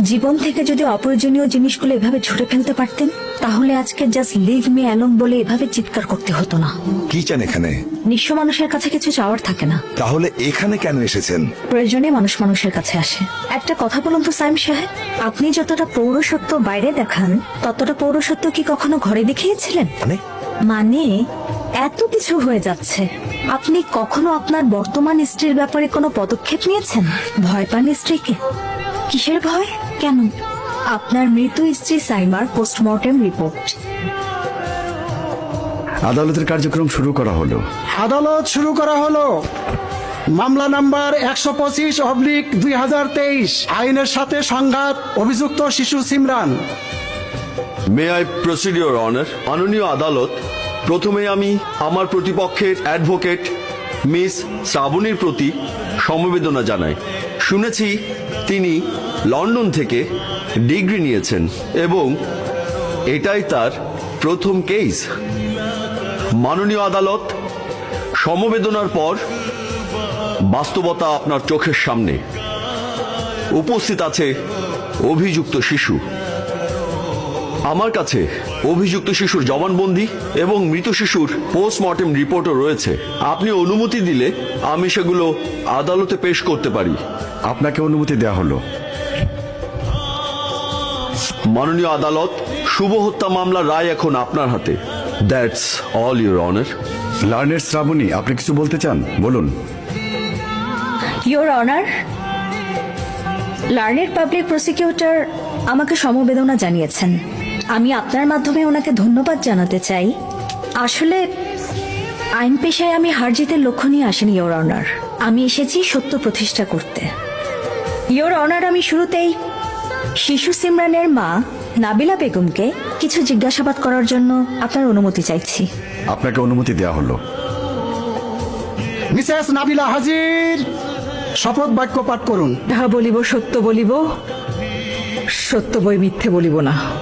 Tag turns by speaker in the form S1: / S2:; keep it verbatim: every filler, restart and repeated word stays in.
S1: জীবন থেকে যদি অপ্রয়োজনীয় জিনিসগুলো এভাবে ছুটে ফেলতে পারতেন তাহলে আজকে জাস্ট লিভ মি অ্যালোন বলে এভাবে চিৎকার করতে হতো না।
S2: কি চান এখানে?
S1: নিঃস্ব মানুষের কাছে কিছু চাওয়ার থাকে না।
S2: তাহলে এখানে কেন এসেছেন?
S1: প্রয়োজনে মানুষ মানুষের কাছে আসে। একটা কথা বলুন তো সাইম সাহেব, আপনি যতটা পৌরসত্ব বাইরে দেখান ততটা পৌরসত্ব কি কখনো ঘরে দেখিয়েছিলেন?
S2: মানে
S1: মানে এত কিছু হয়ে যাচ্ছে, আপনি কখনো আপনার বর্তমান স্ত্রীর ব্যাপারে কোনো পদক্ষেপ নিয়েছেন? ভয় পান স্ত্রীকে? কিসের ভয়? কেন? আপনার মৃত স্ত্রী সাইমার পোস্টমর্টেম রিপোর্ট।
S3: আদালতের কার্যক্রম শুরু করা হলো।
S4: আদালত শুরু করা হলো। মামলা নাম্বার একশো পঁচিশ অবলিক দুই হাজার তেইশ, আইনের সাথে সংঘাত, অভিযুক্ত শিশু Simran.
S5: May I proceed your honour. মাননীয় আদালত, প্রথমে আমি আমার প্রতিপক্ষের অ্যাডভোকেট মিস শ্রাবণীর প্রতি সমবেদনা জানাই। শুনেছি তিনি লন্ডন থেকে ডিগ্রি নিয়েছেন এবং এটাই তার প্রথম কেস। মাননীয় আদালত, সমবেদনার পর বাস্তবতা আপনার চোখের সামনে। উপস্থিত আছে অভিযুক্ত শিশু। আমার কাছে অভিযুক্ত শিশুর জবানবন্দি এবং মৃত শিশুর পোস্টমর্টেম রিপোর্টও রয়েছে। আপনি অনুমতি দিলে আমি সেগুলো আদালতে পেশ করতে পারি।
S3: আপনাকে অনুমতি দেওয়া হলো।
S5: মাননীয় আদালত, শুভ হত্যা মামলার রায় এখন আপনার হাতে। That's all your honour.
S3: Learned Shrabani, আপনি কিছু বলতে চান? বলুন।
S1: Your honour, learned public prosecutor আমাকে সমবেদনা জানিয়েছেন। আমি আপনার মাধ্যমে ওনাকে ধন্যবাদ জানাতে চাই। আসলে আইন পেশায় আমি হার জিতের লক্ষ্য নিয়ে আসিনি ইয়োর অনার, আমি এসেছি সত্য প্রতিষ্ঠা করতে। ইয়োর অনার, আমি শুরুতেই শিশু সিমরানের মা নাবিলা বেগমকে কিছু জিজ্ঞাসাবাদ করার জন্য আপনার অনুমতি চাইছি।
S3: আপনাকে অনুমতি দেওয়া হলো।
S4: মিসেস নাবিলা হাজির, শপথ বাক্য পাঠ করুন।
S6: যাহা বলিব সত্য বলিব, সত্য বই মিথ্যে বলিব না।